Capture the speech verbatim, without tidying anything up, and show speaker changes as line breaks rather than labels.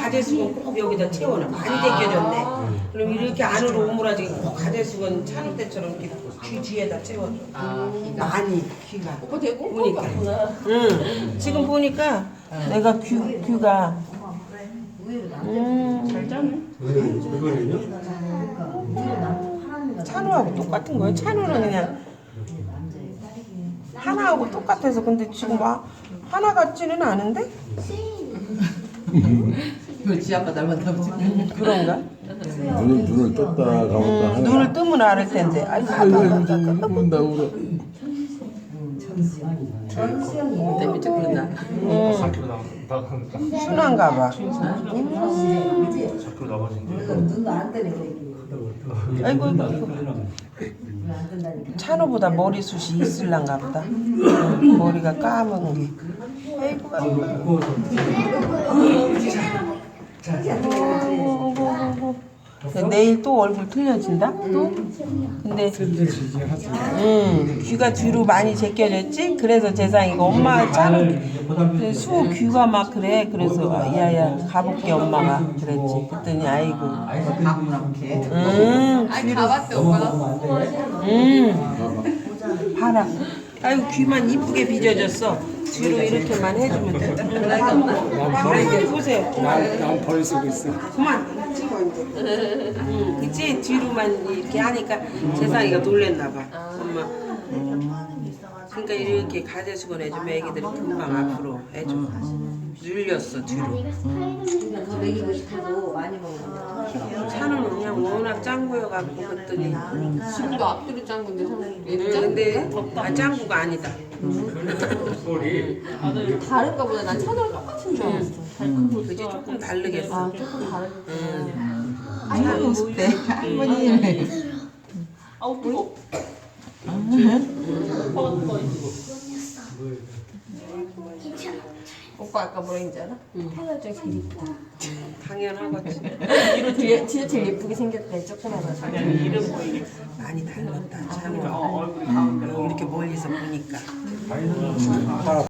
가재수건 꼭 여기다 채워놔. 많이 제껴졌네. 그럼 이렇게 안으로 오므라지게 꼭 가재수건 차는 때처럼 이렇게 귀 뒤에다 채워줘. 많이 귀가.
오빠 되고
보니까. 응. 지금 보니까 내가 귀 귀가. 음. 잘 짜네. 찬우하고 똑같은 거예요. 찬우는 그냥 하나하고 똑같아서 근데 지금 막 하나 같지는 않은데?
이거 지 아빠 닮았나 보지.
그런가?
눈을 눈을 떴다 감았다
음,
하는.
눈을 뜨면 알을 텐데. 아이고,
아이고
아이고,
아이고
아이고,
좀 운다 울어.
때문에 그런다.
음,
사 킬로 나가니까
순한가 봐.
사 킬로 나가지.
아이고, 아이고. 찬호보다 머리숱이 있을란가 보다. 음, 머리가 까만 게. 아이고, 아이고. 아이고, 아이고. 내일 또 얼굴 틀려진다? 또? 근데 음, 귀가 뒤로 많이 제껴졌지? 그래서 재상이가 엄마 차는 수 귀가 막 그래. 그래서 아, 야야 가볼게 엄마가 그랬지. 그랬더니 아이고 음,
아니 가봤대 오빠가.
음, 봐라. 아이고 귀만 이쁘게 빚어졌어. 뒤로 이렇게만 해주면 된다. 할머니 보세요.
난 벌 쓰고 있어.
그만 찍어 이제. 응, 그치? 뒤로만 이렇게 하니까 재상이가 놀랬나 봐. 엄마. 그러니까 이렇게 가재수건 해주면 애기들이 금방 앞으로 해줘. 눌렸어 뒤로.
더 먹이고 싶어도 많이 먹는다.
차는 그냥 워낙 짱구여갖고 그랬더니.
지금도 앞뒤로 짠 건데 사실
응,
얘는 짠
근데 아, 짱구가 아니다.
다른가 보다. 난 차도랑 똑같은 줄 알았어.
그게 조금 다르겠어.
아 조금 다르게.
응.
할머니 오실 때 할머니.
아우 뜨거. 오빠 아까 뭐라 했는지 알아? 태어날 중에 제일 이쁘다.
당연하겠지.
뒤에 진짜 제일 예쁘게 생겼대 조그마해서.
많이 닮았다. 참. 이렇게 멀리서 보니까.